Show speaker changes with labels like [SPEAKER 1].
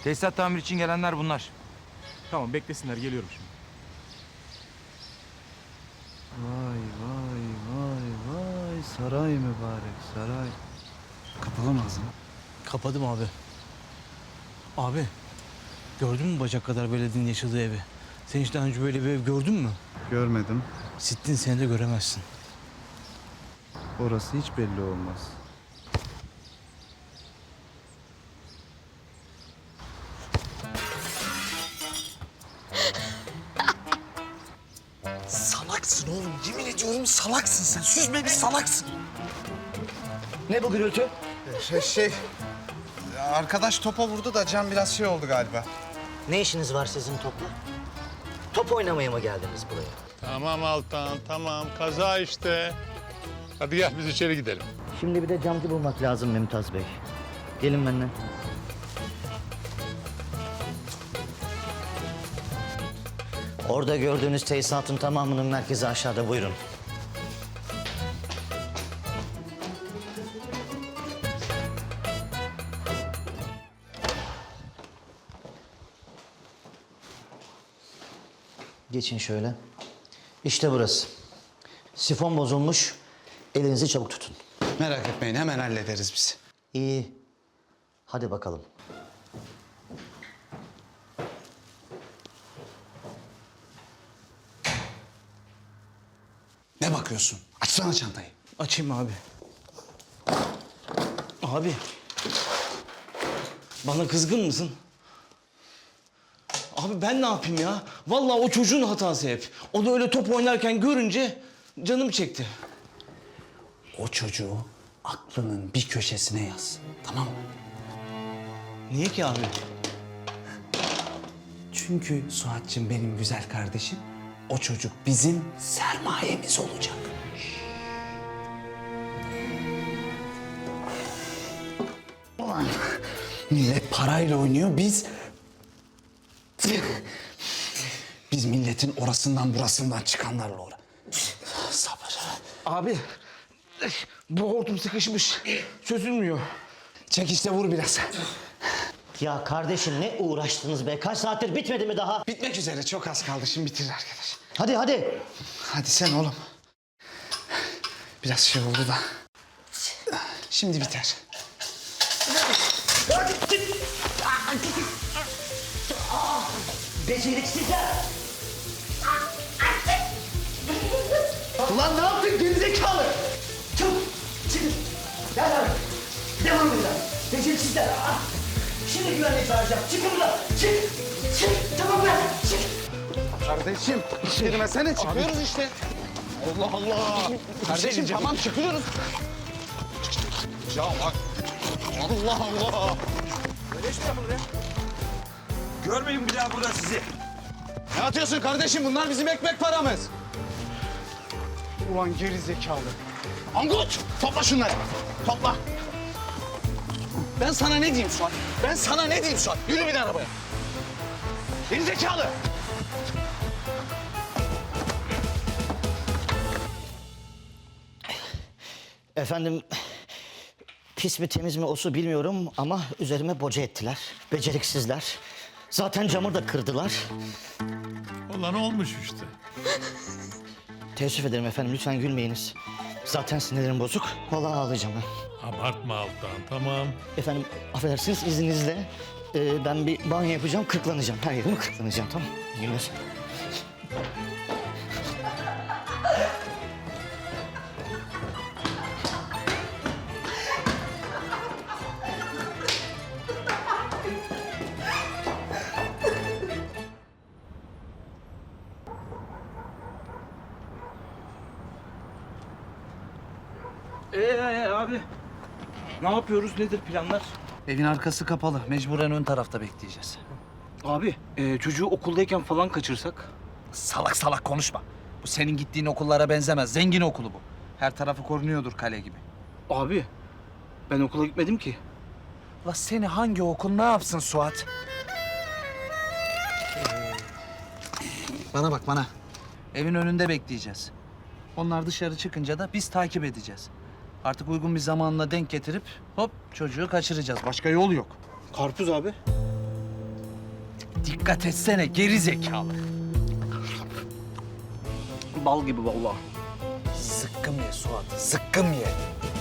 [SPEAKER 1] Tesisat tamir için gelenler bunlar.
[SPEAKER 2] Tamam beklesinler geliyorum şimdi.
[SPEAKER 3] Vay vay vay vay saray mübarek saray. Kapalı mı ağzını?
[SPEAKER 4] Kapadım abi. Abi, gördün mü bacak kadar belediyenin yaşadığı evi? Sen hiç daha önce böyle bir ev gördün mü?
[SPEAKER 3] Görmedim.
[SPEAKER 4] Sittin seni de göremezsin.
[SPEAKER 3] Orası hiç belli olmaz.
[SPEAKER 5] Salaksın oğlum. Yemin ediyorum salaksın sen. Süzme bir salaksın. Ne bu gürültü?
[SPEAKER 6] Arkadaş topa vurdu da Can biraz şey oldu galiba.
[SPEAKER 5] Ne işiniz var sizin topla? Top oynamaya mı geldiniz buraya?
[SPEAKER 7] Tamam Altan, tamam. Kaza işte. Hadi gel biz içeri gidelim.
[SPEAKER 5] Şimdi bir de camcı bulmak lazım Mümtaz Bey. Gelin benimle. Orada gördüğünüz tesisatın tamamının merkezi aşağıda. Buyurun. Geçin şöyle. İşte burası. Sifon bozulmuş. Elinizi çabuk tutun.
[SPEAKER 6] Merak etmeyin hemen hallederiz biz.
[SPEAKER 5] İyi. Hadi bakalım.
[SPEAKER 6] Ne bakıyorsun? Açsana çantayı.
[SPEAKER 4] Açayım abi. Abi, bana kızgın mısın? Abi ben ne yapayım ya? Vallahi o çocuğun hatası hep. O da öyle top oynarken görünce canım çekti.
[SPEAKER 6] O çocuğu aklının bir köşesine yaz. Tamam mı?
[SPEAKER 4] Niye ki abi?
[SPEAKER 6] Çünkü Suat'cığım benim güzel kardeşim. O çocuk bizim sermayemiz olacak. Ulan millet parayla oynuyor biz... Biz milletin orasından burasından çıkanlarla uğra. Sabır.
[SPEAKER 4] Abi, bu hortum sıkışmış. Çözülmüyor.
[SPEAKER 6] Çek işte vur biraz.
[SPEAKER 5] Ya kardeşim ne uğraştınız be? Kaç saattir bitmedi mi daha?
[SPEAKER 6] Bitmek üzere çok az kaldı şimdi bitirir arkadaş.
[SPEAKER 5] Hadi hadi.
[SPEAKER 6] Hadi sen oğlum. Biraz şey oldu da. Şimdi biter.
[SPEAKER 5] Beceriksizler. Ulan ne yaptın gerizekalı? Çabuk çıkın. Gel abi. Devam edin abi. Beceriksizler. Şimdi güvenlik çağıracağım. Çıkın buradan. Çık. Çık. Tamam lan. Çık.
[SPEAKER 6] Kardeşim girmesene çıkıyoruz işte. Allah Allah. Kardeşim tamam çıkıyoruz. Ya bak. Allah Allah.
[SPEAKER 1] Görmeyin bir daha burada sizi.
[SPEAKER 6] Ne atıyorsun kardeşim? Bunlar bizim ekmek paramız. Ulan geri zekalı. Angut! Topla şunları. Topla. Ben sana ne diyeyim Suat? Ben sana ne diyeyim Suat? Yürü bir de arabaya. Geri zekalı.
[SPEAKER 5] Efendim pis mi temiz mi o su bilmiyorum ama üzerime boca ettiler. Beceriksizler. Zaten camı da kırdılar.
[SPEAKER 7] Olan olmuş işte.
[SPEAKER 5] Teessüf ederim efendim lütfen gülmeyiniz. Zaten sinirlerim bozuk. Vallahi ağlayacağım ben.
[SPEAKER 7] Abartma Altan, tamam.
[SPEAKER 5] Efendim affedersiniz izninizle ben bir banyo yapacağım, kırklanacağım. Her yerimi kırklanacağım, tamam mı? İyi günler.
[SPEAKER 4] Abi, ne yapıyoruz? Nedir planlar?
[SPEAKER 3] Evin arkası kapalı. Mecburen ön tarafta bekleyeceğiz.
[SPEAKER 4] Abi, çocuğu okuldayken falan kaçırsak?
[SPEAKER 3] Salak salak konuşma. Bu senin gittiğin okullara benzemez. Zengin okulu bu. Her tarafı korunuyordur kale gibi.
[SPEAKER 4] Abi, ben okula gitmedim ki.
[SPEAKER 3] La seni hangi okul ne yapsın Suat? Bana bak bana. Evin önünde bekleyeceğiz. Onlar dışarı çıkınca da biz takip edeceğiz. Artık uygun bir zamanla denk getirip hop çocuğu kaçıracağız. Başka yol yok.
[SPEAKER 4] Karpuz abi.
[SPEAKER 3] dikkat etsene geri zekalı.
[SPEAKER 6] Bal gibi vallahi.
[SPEAKER 3] Zıkkım ye Suat, zıkkım ye.